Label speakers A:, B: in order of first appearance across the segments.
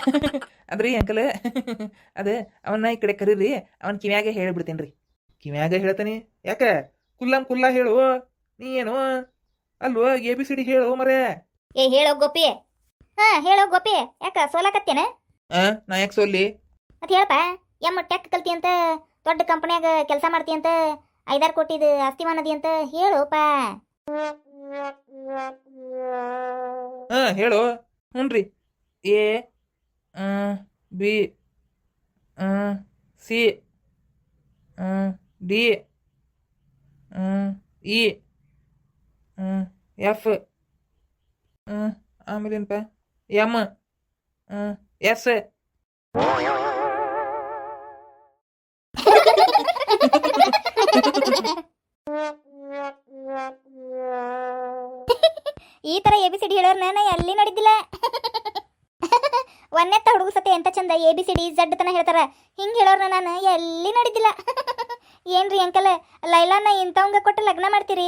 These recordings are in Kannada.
A: ಅದ್ರಿ ಅಂಕಲ್ ಅದೇ ಅವನ್ನ ಈ ಕಡೆ ಕರೀರಿ, ಅವನ್ ಕಿವ್ಯಾಗೆ ಹೇಳಿಬಿಡ್ತೀನಿ ರೀ. ಕಿವ್ಯಾಗ ಹೇಳ್ತಾನೆ ಯಾಕೆ? ಕುಲ್ಲಂ ಕುಲ್ಲ ಹೇಳು. ನೀ ಏನು ಅಲ್ವೋ ABCD ಹೇಳು ಮರೆ.
B: ಏ ಹೇಳೋ ಗೋಪಿ. ಹಾ ಹೇಳೋ ಗೋಪಿ, ಯಾಕ ಸೋಲಾಕತ್ತೇನ?
A: ನಾ ಯಾಕೆ ಸೋಲ್ಲಿ?
B: ಮತ್ತೆ ಹೇಳಪ್ಪ. ಟೆಕ್ ಕಲ್ತಿ ಅಂತ, ದೊಡ್ಡ ಕಂಪನ್ಯಾಗ ಕೆಲಸ ಮಾಡ್ತಿ ಅಂತ, 5-6 ಕೋಟಿದು ಆಸ್ತಿ ಮಾನದಿ ಅಂತ ಹೇಳೋಪ.
A: ಹೇಳು. ಹ್ಞೂ A B C D E F ಆಮೇಲೇನಪ್ಪ M S.
B: ಈ ತರ ABCD ಹೇಳೋರ್ನ ನಾ ಎಲ್ಲಿ ನೋಡಿದ್ದಿಲ್ಲ. ಒಂದೆತ್ತ ಹುಡುಗ ಸತೆ ಎಂತ ಚಂದ ABCD Z ತನ ಹೇಳ್ತಾರ, ಹಿಂಗ್ ಹೇಳೋರ್ನ ನಾನು ಎಲ್ಲಿ ನೋಡಿದ್ದಿಲ್ಲ. ಏನ್ರಿ ಅಂಕಲ್, ಲೈಲಾನ ಇಂಥವಂಗ ಕೊಟ್ಟು ಲಗ್ನ ಮಾಡ್ತೀರಿ?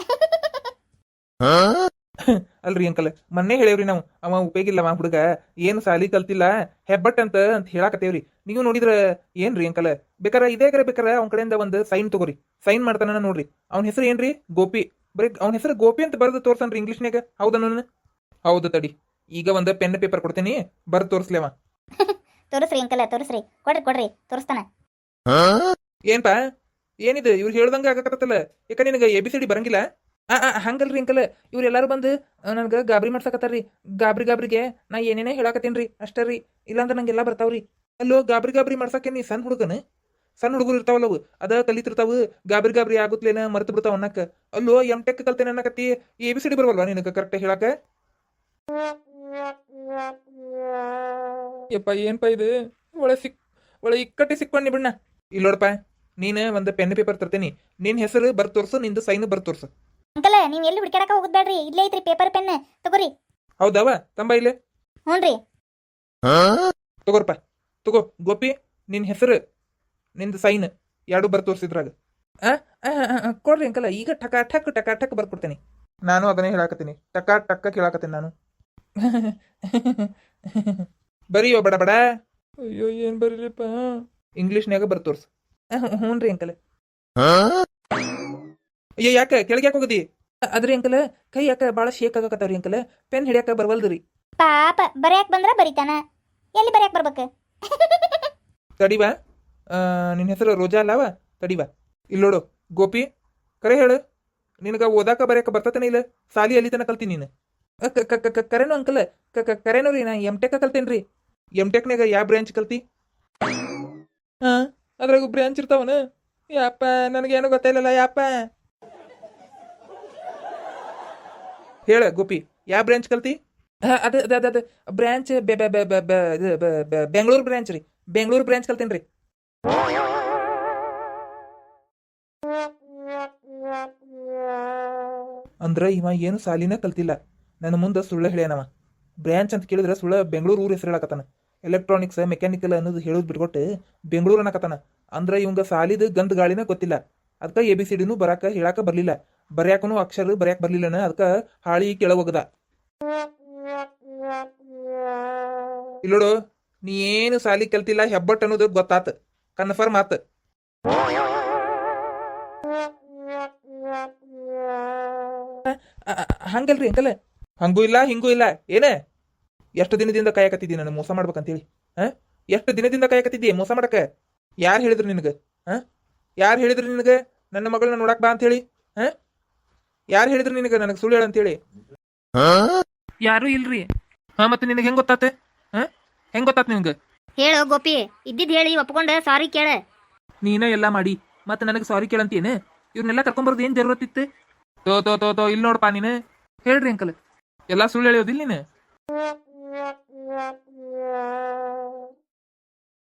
A: ಅಲ್ರಿ ಅಂಕಲ್, ಮೊನ್ನೆ ಹೇಳೇವ್ರಿ ನಾವು, ಅವ ಉಪಯೋಗಿಲ್ಲ ಅವ ಹುಡುಗ, ಏನು ಸಾಲಿ ಕಲ್ತಿಲ್ಲ, ಹೆಬ್ಬಟ್ ಅಂತ ಹೇಳಾಕತ್ತೇವ್ರಿ. ನೀವು ನೋಡಿದ್ರ ಏನ್ರಿ ಅಂಕಲ್, ಬೇಕಾರ ಇದೇ ಬೇಕಾರ ಅವ್ನ ಕಡೆಯಿಂದ ಒಂದು ಸೈನ್ ತಗೋರಿ, ಸೈನ್ ಮಾಡ್ತಾನ ನೋಡ್ರಿ. ಅವ್ನ ಹೆಸರು ಏನ್ರಿ? ಗೋಪಿ. ಬರೀ ಅವ್ನ ಹೆಸರು ಗೋಪಿ ಅಂತ ಬರೆದು ತೋರ್ಸನ್ರಿ ಇಂಗ್ಲೀಷ್ನಾಗ. ಹೌದನ? ಹೌದು ತಡಿ, ಈಗ ಒಂದು ಪೆನ್ ಪೇಪರ್ ಕೊಡ್ತೀನಿ, ಬರ್ದು ತೋರಿಸ್ಲಿ ಅವ.
B: ತೋರಿಸ್ರಿ ಅಂಕಲ್, ತೋರಿಸ್ರಿ, ಕೊಡ್ರಿ ತೋರಿಸ್ತಾನ.
A: ಏನ್ಪಾ ಏನಿದು ಇವ್ರು ಹೇಳ್ದಂಗ ಆಗಕತ್ತಲ್ಲ? ಯಾಕ ನಿನಗ ABCD ಬರಂಗಿಲ್ಲ? ಹಂಗಲ್ರಿ ಅಂಕಲ್, ಇವ್ರೆಲ್ಲಾರು ಬಂದು ನನ್ಗೆ ಗಾಬರಿ ಮಾಡ್ಸಕತ್ತಾರ್ರಿ. ಗಾಬ್ರಿಗೆ ನಾ ಏನೇನೇ ಹೇಳಾಕತ್ತೀನ್ರಿ ಅಷ್ಟೇ ರೀ, ಇಲ್ಲಾಂದ್ರೆ ನಂಗೆಲ್ಲ ಬರ್ತಾವ್ರಿ. ಅಲ್ಲೋ ಗಾಬರಿ ಮಾಡ್ಸಕ್ಕೆ ನೀ ಸಣ್ಣ ಹುಡುಗನ? ಸಣ್ಣ ಹುಡುಗರು ಇರ್ತಾವಲ್ಲವು, ಅದ ಕಲಿತಿರ್ತಾವು, ಗಾಬರಿ ಆಗುತ್ತಲೇನ ಮರ್ತು ಬಿಡ್ತಾವ ಅನ್ನಕ್ಕ. ಅಲ್ಲೋ MTech ಕಲ್ತೇನೆ ಅನ್ನಕತ್ತಿ, ABCD ಬರವಲ್ವಾ ನಿನಗೆ ಕರೆಕ್ಟ್ ಹೇಳಾಕ? ಯಪ್ಪ ಏನ್ಪಾ ಇದು, ಒಳ್ಳೆ ಇಕ್ಕಟ್ಟಿ ಸಿಕ್ಕೊಂಡಿ ಬಿಡ್ನ. ಇಲ್ಲ ನೋಡಪ್ಪ, ನೀನು ಒಂದು ಪೆನ್ ಪೇಪರ್ ತರ್ತೀನಿ, ನಿನ್ನ ಹೆಸರು ಬರ್ದು ತೋರ್ಸು, ನಿಂದು ಸೈನ್ ಬರ್ದು ತೋರ್ಸು.
B: ಅಂಕಲ್ ನೀವ್ ಎಲ್ಲಿ ಹುಡುಕಾಡಕ ಹೋಗುದ್ ಬೇಡ್ರಿ, ಇಲ್ಲೇ ಐತ್ರಿ ಪೇಪರ್ ಪೆನ್, ತಗೋರಿ.
A: ಹೌದವ ತಂಬ ಇಲ್ಲೇ.
B: ಹ್ಞೂನ್ರಿ.
A: ತಗೋರಪ್ಪ, ತಗೋ ಗೋಪಿ, ನಿನ್ನ ಹೆಸರು ನಿಂದು ಸೈನ್ ಎರಡು ಬರ್ದು ತೋರಿಸಿದ್ರಾಗ. ಕೊಡ್ರಿ ಅಂಕಲ್, ಈಗ ಟಕ ಬರ್ಕೊಡ್ತೀನಿ. ನಾನು ಅದನ್ನೇ ಹೇಳಾಕತ್ತೀನಿ, ಟಕ್ಕ ಕೇಳಾಕತ್ತೀನಿ ನಾನು. ಬರೀಯೋ ಬಡ ಬಡ. ಅಯ್ಯೋ ಏನ್ ಬರೀಲಿಪ್ಪ, ಇಂಗ್ಲೀಷ್ನ್ಯಾಗ ಬರ್ದು ತೋರ್ಸು. ಹ್ಞೂನ್ರಿ ಅಂಕಲ್. ಅಯ್ಯೋ ಯಾಕೆ ಕೆಳಗೆ ಯಾಕೆ ಹೋಗದಿ? ಅದ್ರಿ ಅಂಕಲ್, ಕೈ ಯಾಕೆ ಭಾಳ ಶೇಕ್ ಆಗಕತ್ತಾವ್ರಿ ಅಂಕಲ್, ಪೆನ್ ಹಿಡಿಯಾಕ ಬರ್ವಲ್ದ್ರಿ.
B: ಪಾಪ ಬರ್ಯಾಕ್ ಬಂದ್ರ ಬರಿತಾನ, ಎಲ್ಲಿ ಬರ್ಯಾಕ್ ಬರ್ಬೇಕು?
A: ತಡಿವಾ, ನಿನ್ನ ಹೆಸರು ರೋಜಾ ಅಲ್ಲವ? ತಡಿವಾ, ಇಲ್ಲಿ ನೋಡು ಗೋಪಿ, ಕರೆ ಹೇಳು, ನಿನಗ ಓದಾಕ ಬರ್ಯಾಕ ಬರ್ತತನ ಇಲ್ಲ? ಸಾಲಿ ಅಲ್ಲಿ ತನ ಕಲ್ತೀನಿ ನೀನು? ಕರೆನು ಅಂಕಲ್, ಕರೆನು ರೀ, ನಾ MTech ಕಲ್ತೇನ್ರಿ. MTechನಾಗ ಯಾವ ಬ್ರಾಂಚ್ ಕಲ್ತಿ? ಅದ್ರಾಗ ಬ್ರಾಂಚ್ ಇರ್ತಾವನ? ಯಾಪ ನನಗೇನು ಗೊತ್ತಿಲ್ಲಲ್ಲ ಯಾಪ. ಹೇಳ ಗೋಪಿ, ಯಾವ ಬ್ರಾಂಚ್ ಕಲ್ತಿ? ಅದ ಬ್ರಾಂಚ್ ಬೆಂಗಳೂರು ಬ್ರಾಂಚ್ ರೀ, ಬೆಂಗಳೂರು ಬ್ರಾಂಚ್ ಕಲ್ತೇನ್ರಿ. ಅಂದ್ರ ಇವ ಏನು ಸಾಲಿನ ಕಲ್ತಿಲ್ಲ, ನನ್ನ ಮುಂದೆ ಸುಳ್ಳ ಹೇಳ್ಯಾನವ. ಬ್ರಾಂಚ್ ಅಂತ ಕೇಳಿದ್ರೆ ಸುಳ್ಳ ಬೆಂಗಳೂರು ಊರು ಹೆಸರು ಹೇಳಕತ್ತಾನ. ಎಲೆಕ್ಟ್ರಾನಿಕ್ಸ್ ಮೆಕ್ಯಾನಿಕಲ್ ಅನ್ನೋದು ಹೇಳೋದು ಬಿಟ್ಕೊಟ್ಟು ಬೆಂಗಳೂರು ಅನ್ನಕತ್ತಾನ. ಅಂದ್ರೆ ಇವಂಗ ಸಾಲಿದ ಗಂಧ ಗಾಳಿನ ಗೊತ್ತಿಲ್ಲ, ಅದಕ್ಕೆ ABCDನೂ ಬರಾಕ ಹೇಳಾಕ ಬರ್ಲಿಲ್ಲ, ಬರ್ಯಾಕನು ಅಕ್ಷರ ಬರ್ಯಾಕ ಬರ್ಲಿಲ್ಲನ, ಅದಕ್ಕೆ ಹಾಳಿ ಕೆಳಗೋಗದ. ಇಲ್ಲೋಡು, ನೀ ಏನು ಸಾಲಿ ಕಲ್ತಿಲ್ಲ, ಹೆಬ್ಬಟ್ ಅನ್ನೋದು ಗೊತ್ತಾತ, ಕನ್ಫರ್ಮ್ ಆತ. ಹಂಗಲ್ರಿ ಅಂಕಲ್, ಹಂಗೂ ಇಲ್ಲ ಹಿಂಗೂ ಇಲ್ಲ. ಏನ ಎಷ್ಟು ದಿನದಿಂದ ಕಾಯಕತ್ತಿದ್ದಿ ನಾನು ಮೋಸ ಮಾಡ್ಬೇಕಂತೇಳಿ? ಎಷ್ಟು ದಿನದಿಂದ ಕಾಯಕತ್ತಿದ್ದಿ ಮೋಸ ಮಾಡಕ? ಯಾರು ಹೇಳಿದ್ರು ನಿನಗೆ? ಯಾರು ಹೇಳಿದ್ರು ನಿನಗೆ ನನ್ನ ಮಗಳನ್ನ ನೋಡಕ್ ಬಾ ಅಂತ ಹೇಳಿ? ಯಾರು ಹೇಳಿದ್ರು ನಿನಗೆ ನನಗೆ ಸುಳ್ಳು ಹೇಳಂತೇಳಿ? ಯಾರು ಇಲ್ರಿ. ಮತ್ತೆ ನಿನಗೆ ಹೆಂಗ್ ಗೊತ್ತಾತೆ? ಹೆಂಗ್ ಗೊತ್ತಾತ ನಿನಗೆ?
B: ಹೇಳೋ ಗೋಪಿ, ಇದ್ದಿದ್ ಹೇಳಿ ಒಪ್ಕೊಂಡ ಸಾರಿ ಕೇಳ.
A: ನೀನ ಎಲ್ಲ ಮಾಡಿ ಮತ್ತೆ ನನಗೆ ಸಾರಿ ಕೇಳಂತೇನೆ? ಇವ್ರನ್ನೆಲ್ಲ ಕರ್ಕೊಂಬರೋದು ಏನ್ ಜरूरत ಇತ್ತು? ತೋ ಇಲ್ಲಿ ನೋಡಪ್ಪ, ನೀನು ಹೇಳ್ರಿ ಅಂಕಲ್, ಎಲ್ಲ ಸುಳ್ಳು ಹೇಳೋದಿಲ್ಲ ನೀನು?